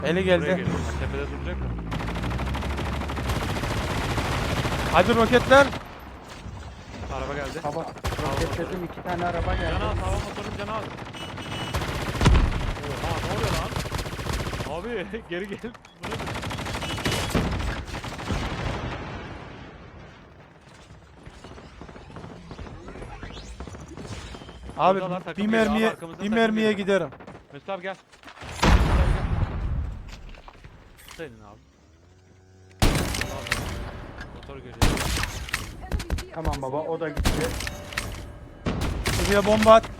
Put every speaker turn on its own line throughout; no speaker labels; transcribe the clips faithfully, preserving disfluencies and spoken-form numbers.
Eli
Buraya
geldi.
geliyor. Tepede duracak mı?
Hadi roketler.
Araba geldi.
Baba roketledim, iki tane araba geldi.
Can az, hava motorun canı az. Oha, ne oluyor lan? Abi geri gel. Bu nedir?
Abi
Buradalar, takım
bir
geliyor. Abi,
mermiye
arkamızdan
bir
takım
mermiye
geliyor.
giderim.
Mesut abi gel. Mesut abi gel. Senin abi. Motor görüyor.
Tamam baba, o da gitti.
Şuraya bomba at.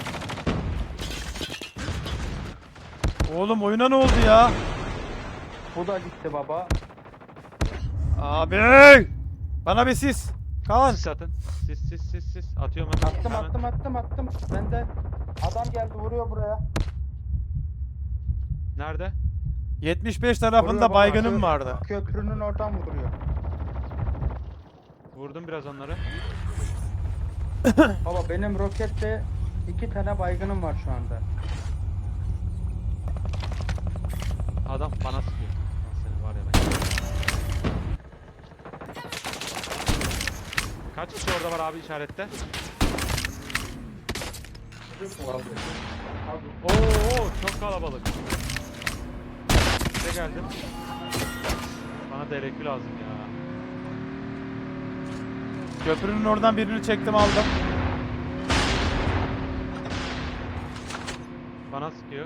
Oğlum oyuna ne oldu ya?
Bu da gitti baba.
Abi! Bana bir sis. Kaan.
Sis atın. Sis sis sis sis. Atıyorum hemen.
Attım
Hemen.
attım attım attım. Bende adam geldi, vuruyor buraya.
Nerede?
yetmiş beş
Vuruyor
tarafında
baba,
baygınım
kö-
vardı.
Köprünün oradan vuruyor.
Vurdum biraz onları.
Baba benim rokette iki tane baygınım var şu anda.
Adam bana sıkıyor. Lan senin var ya ben. Kaç kişi orada var abi işarette? Oo çok kalabalık. Ne geldim? Bana D R Q lazım ya.
Köprünün oradan birini çektim aldım.
Bana sıkıyor.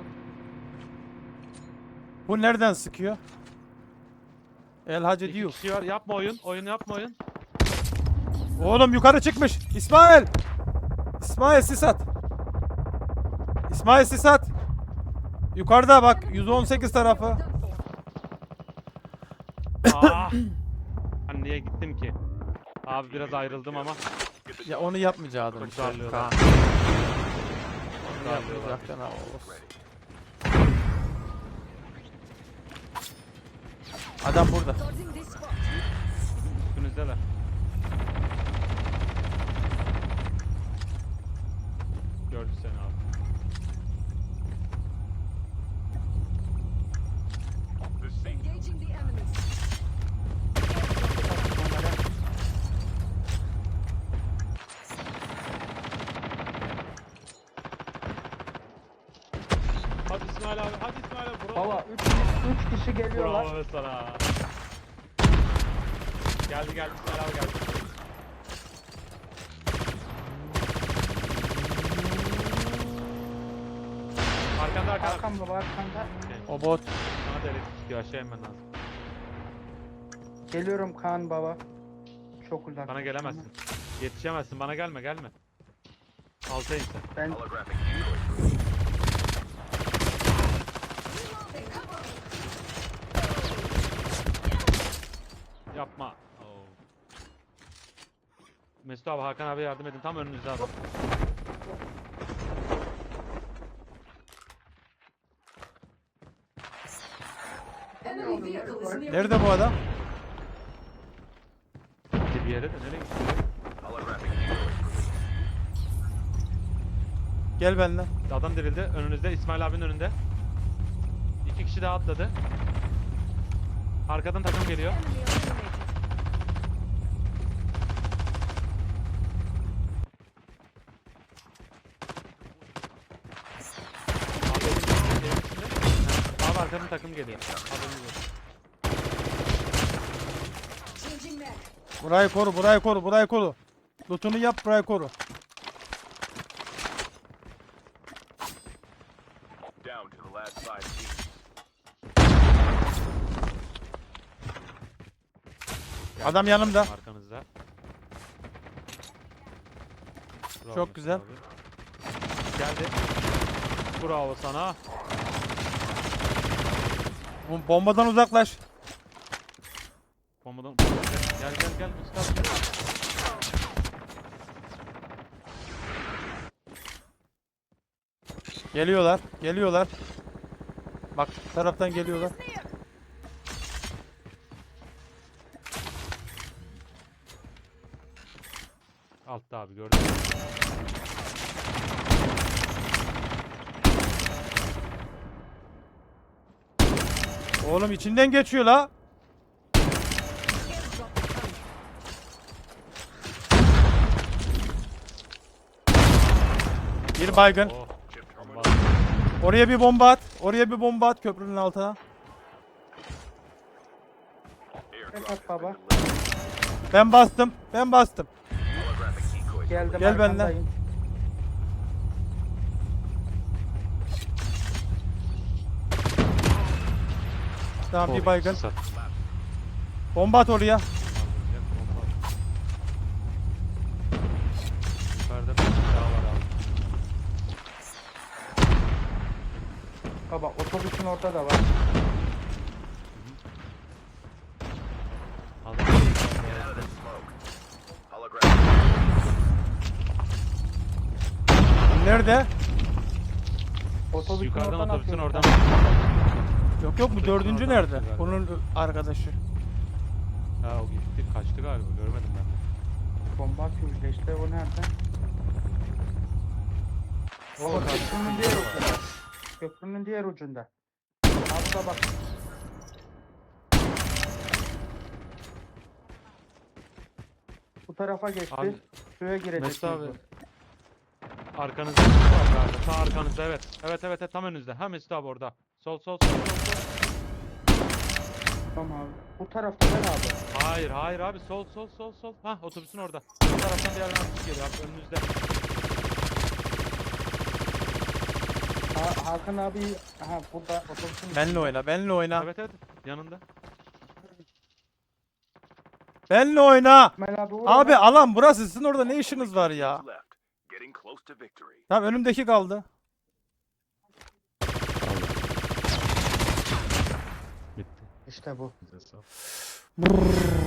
Bu nereden sıkıyor? El Hacı
İki
diyor.
kişi var. Yapma oyun. Oyun yapma oyun.
Oğlum yukarı çıkmış. İsmail. İsmail sis at. İsmail sis at. Yukarıda bak yüz on sekiz tarafı.
Aa! Ben niye gittim ki? Abi biraz ayrıldım ama.
Ya onu yapmayacaktın.
Çok
işte,
darlıyorlar.
Kaan. Onu
Darlıyorlar.
yapmayacaktın ha, olsun. Adam burada.
Üstünüzdeler. Gördü seni abi.
Engaging the enemies.
Hadi İsmail abi. Hadi İsmail abi. Bravo.
Baba üç, üç kişi geliyorlar.
Bravo sana. Geldi geldi İsmail abi geldi. Arkanda arkanda.
Arkam baba, arkanda.
O bot.
Bana da elektrik çıkıyor. Aşağı inmen lazım.
Geliyorum Kaan baba. Çok uzak.
Bana gelemezsin. Yetişemezsin. Bana gelme gelme. Alta in sen.
Ben
Yapma. Oo. Mesut abi Hakan abi yardım edin. Tam önünüzde adam.
Enemy vehicle is near.
Nerede bu adam?
Bir yere de nereye gitti?
Gel benimle.
Adam dirildi. Önünüzde. İsmail abinin önünde. İki kişi daha atladı. Arkadan takım geliyor.
Enemy eliminated.
Abi, evin içinde. Abi arkadan takım geliyor. Haberiniz olsun.
Changing mag.
Burayı koru, burayı koru, burayı koru. Lootunu yap, burayı koru.
Down to the last five teams.
Adam yanımda.
Arkanızda. Bravo
Çok
Mesut
güzel.
abi. Geldi. Bravo sana.
Bu bombadan uzaklaş.
Bombadan. Gel gel gel Mesut abi.
Geliyorlar, geliyorlar. Bak bu taraftan geliyorlar.
Altta abi gördün mü?
Oğlum içinden geçiyor la. Bir baygın.
Oh.
Chip terminal.
Bomba.
Oraya bir bomba at. Oraya bir bomba at köprünün altına.
Airdrop
Tek
has
at baba.
been delivered.
Ben bastım. Ben bastım.
Holographic decoys.
Geldim
Gel benimle.
arkandayım.
Tamam bir
Oh,
baygın.
sat.
Bomba at oraya.
Kaldıracak, bomba. Yukarıda bir daha var abi.
Baba otobüsün orada da var.
Aldım.
Get out of this smoke. Holographic.
Nerede?
Otobüsün
Yukarıdan
oradan
otobüsün
atıyor.
oradan.
Yok yok bu
Otobüsün
dördüncü
oradan
nerede?
atıyor galiba.
Bunun arkadaşı.
Ha o gitti kaçtı galiba görmedim ben de.
Bomba atıyor bir de işte o nerede?
O
Köprünün diğer ucunda. Köprünün diğer ucunda. Abi da bak. Bu tarafa geçti.
Abi,
Suya girecek.
Mesut abi.
şimdi.
Arkanızda var galiba. Sağ arkanızda evet. Evet evet evet, tam önünüzde. Ha Mesut abi orada. Sol sol sol sol sol.
Tamam abi. Bu tarafta ben abi.
Hayır hayır abi, sol sol sol sol. Ha otobüsün orada. Bu taraftan bir yerden atış geliyor abi önünüzde.
Ha, Hakan abi aha burada otobüsün.
Benle oyna. Benle oyna.
Evet evet yanında.
Benle oyna.
İsmail abi, vur
Abi
ona.
alan burası. Sizin orada ne işiniz var ya?
Left. Getting close to victory.
Tamam önümdeki kaldı.
Bitti.
İşte bu.
Bize sağ.
Brrr.